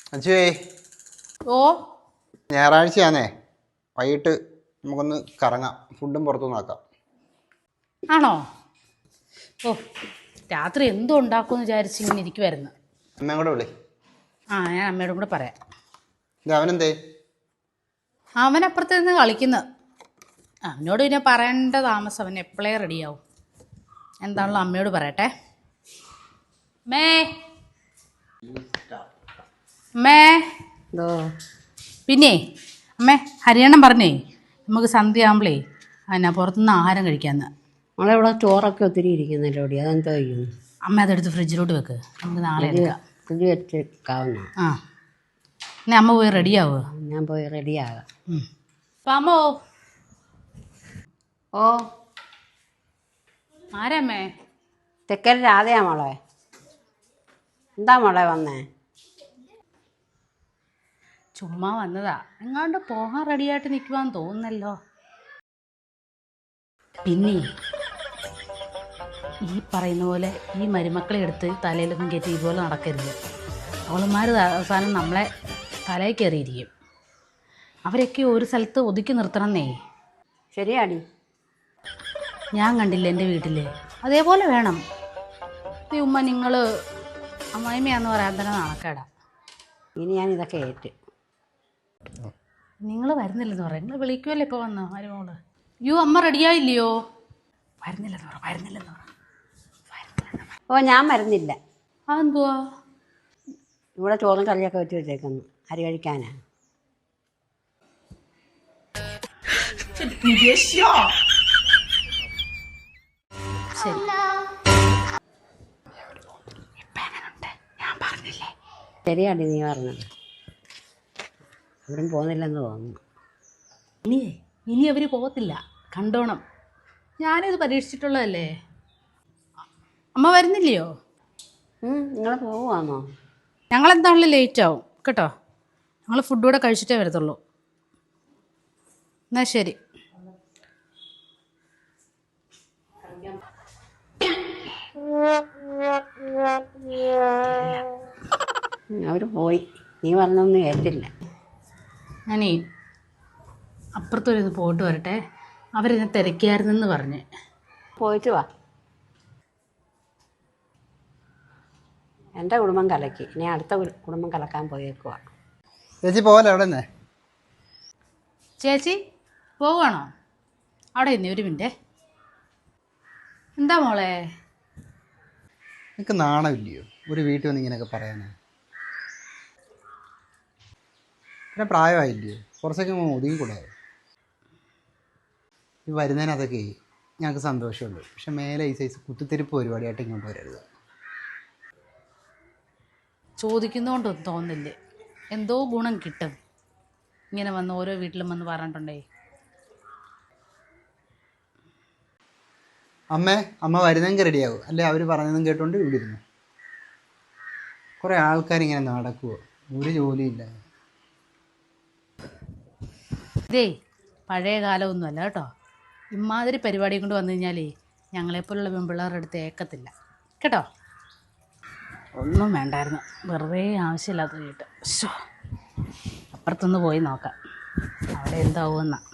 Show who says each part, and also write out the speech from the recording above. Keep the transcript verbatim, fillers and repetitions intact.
Speaker 1: അച്ചുവേ
Speaker 2: ഓ
Speaker 1: ഞായറാഴ്ചയാന്നേ വൈകിട്ട് നമുക്കൊന്ന് കറങ്ങാം, ഫുഡും പുറത്തുനിന്ന് ആക്കാം.
Speaker 2: ആണോ? ഓ രാത്രി എന്തോ ഉണ്ടാക്കുമെന്ന് വിചാരിച്ച് ഇങ്ങനെ ഇരിക്കുമായിരുന്നു.
Speaker 1: അമ്മയും കൂടെ വിളി.
Speaker 2: ആ ഞാൻ അമ്മയോടും കൂടെ പറയാം.
Speaker 1: ഇത് അവനെന്തേ?
Speaker 2: അവൻ അപ്പുറത്ത് നിന്ന് കളിക്കുന്നു. അവനോട് പിന്നെ പറയേണ്ട താമസം, അവൻ എപ്പോഴേ റെഡിയാവും. എന്താണല്ലോ അമ്മയോട് പറയട്ടെ. മേ മേ
Speaker 3: എന്തോ
Speaker 2: പിന്നെ അമ്മേ ഹരിയണ്ണം പറഞ്ഞേ നമുക്ക് സന്ധ്യ ആകുമ്പളേ എന്നാ പുറത്തുനിന്ന് ആഹാരം കഴിക്കാമെന്ന്.
Speaker 3: നമ്മളിവിടെ ചോറൊക്കെ ഒത്തിരി ഇരിക്കുന്നല്ലോ ഓടി, അതെന്തോ ചെയ്യുന്നു?
Speaker 2: അമ്മ അതെടുത്ത് ഫ്രിഡ്ജിലോട്ട് വെക്ക്, നമുക്ക് നാളെ എടുക്കാം.
Speaker 3: ഫ്രിഡ്ജ് വെച്ചേക്കാവുന്ന.
Speaker 2: ആ ഇനി അമ്മ പോയി റെഡിയാവുക.
Speaker 3: ഞാൻ പോയി റെഡിയാകാം.
Speaker 2: പാമോ
Speaker 3: ഓ
Speaker 2: ആരമ്മേ?
Speaker 3: തെക്കൻ രാധയാ മോളെ. എന്താ മോളെ വന്നേ?
Speaker 2: ചുമ്മാ വന്നതാ. എങ്ങാണ്ട് പോകാൻ റെഡിയായിട്ട് നിൽക്കുവാന്ന് തോന്നുന്നല്ലോ. പിന്നെ ഈ പറയുന്ന പോലെ ഈ മരുമക്കളെ എടുത്ത് തലയിലൊന്നും കയറ്റി ഇതുപോലെ നടക്കരുത്. അവളുമാർ അവസാനം നമ്മളെ തലയിൽ കയറിയിരിക്കും. അവരൊക്കെ ഒരു സ്ഥലത്ത് ഒതുക്കി നിർത്തണമെന്നേ.
Speaker 3: ശരിയാടി.
Speaker 2: ഞാൻ കണ്ടില്ല എൻ്റെ വീട്ടിൽ, അതേപോലെ വേണം. ഈ ഉമ്മ നിങ്ങൾ അമ്മായിമ്മയാന്ന് പറയാൻ തന്നെ നാണക്കേടാ.
Speaker 3: ഇനി ഞാൻ ഇതൊക്കെ ഏറ്റ്.
Speaker 2: നിങ്ങൾ വരുന്നില്ലെന്ന് പറയാം. നിങ്ങൾ വിളിക്കുമല്ലോ ഇപ്പോൾ വന്നോ മരുമോള്. യോ അമ്മ റെഡിയായില്ലയോ? വരുന്നില്ലെന്ന് പറ, വരുന്നില്ലെന്ന് പറ.
Speaker 3: ഓ ഞാൻ മരുന്നില്ല.
Speaker 2: അതെന്തുവാ?
Speaker 3: ഇവിടെ ചോറും കറിയൊക്കെ വെച്ച് വെച്ചേക്കുന്നു, അരി കഴിക്കാനാ.
Speaker 2: ശരി
Speaker 3: ശരിയാടി നീ പറഞ്ഞത്. അവരും പോകുന്നില്ലെന്ന് തോന്നുന്നു.
Speaker 2: ഇനിയേ ഇനി അവർ പോകത്തില്ല, കണ്ടോണം. ഞാനിത് പരീക്ഷിച്ചിട്ടുള്ളതല്ലേ. അമ്മ വരുന്നില്ലയോ?
Speaker 3: നിങ്ങൾ പോവുകയാണോ?
Speaker 2: ഞങ്ങളെന്താണല്ലോ ലേറ്റ് ആവും കേട്ടോ. ഞങ്ങൾ ഫുഡ് കൂടെ കഴിച്ചിട്ടേ വരത്തുള്ളൂ. എന്നാൽ ശരി.
Speaker 3: അവർ പോയി. നീ പറഞ്ഞൊന്നും ഏറ്റില്ല.
Speaker 2: ഞാനേ അപ്പുറത്തൊരു പോയിട്ട് വരട്ടെ. അവരെന്നെ തിരക്കിയായിരുന്നെന്ന് പറഞ്ഞ്.
Speaker 3: പോയിട്ട് വാ. എൻ്റെ കുടുംബം കലക്കി, ഇനി അടുത്ത കുടുംബം കലക്കാൻ പോയേക്കുവാ.
Speaker 1: ചേച്ചി പോവല്ലേ അവിടെ തന്നെ?
Speaker 2: ചേച്ചി പോവുകയാണോ? അവിടെ ഇന്നേ ഒരു മിനിറ്റ്. എന്താ മോളെ?
Speaker 1: എനിക്ക് നാണമില്ലയോ ഒരു വീട്ടിൽ വന്ന് ഇങ്ങനെയൊക്കെ പറയാനാ? പിന്നെ പ്രായമായില്ലയോ? കുറച്ചൊക്കെ ഒതുങ്ങിക്കൂടായോ? ഈ വരുന്നതിനകത്തൊക്കെ ഞങ്ങൾക്ക് സന്തോഷമുള്ളൂ. പക്ഷെ മേലെ ഈ സൈസ് കുത്തിത്തിരിപ്പ് പരിപാടിയായിട്ട് ഇങ്ങോട്ട് വരരുത്.
Speaker 2: ചോദിക്കുന്നതുകൊണ്ടൊന്നും തോന്നില്ലേ, എന്തോ ഗുണം കിട്ടും ഇങ്ങനെ വന്ന് ഓരോ വീട്ടിലും വന്ന് പറഞ്ഞിട്ടുണ്ടേ.
Speaker 1: അമ്മേ അമ്മ വരുന്നെങ്കിൽ റെഡിയാവും, അല്ലെ അവർ പറഞ്ഞതും കേട്ടുകൊണ്ട് ഇവിടെ ഇരുന്നു. കുറേ ആൾക്കാരിങ്ങനെ നടക്കുമോ, ഒരു ജോലിയില്ല.
Speaker 2: ഇതേ പഴയ കാലമൊന്നുമല്ല കേട്ടോ. ഇമാതിരി പരിപാടി കൊണ്ട് വന്നു കഴിഞ്ഞാലേ ഞങ്ങളെപ്പോലുള്ള പെൺപിള്ളേരുടെ അടുത്ത് ഏക്കത്തില്ല കേട്ടോ. ഒന്നും വേണ്ടായിരുന്നു, വെറുതെ ആവശ്യമില്ലാത്ത കേട്ട്. അപ്പുറത്തൊന്ന് പോയി നോക്കാം അവിടെ എന്താവുമെന്നാ.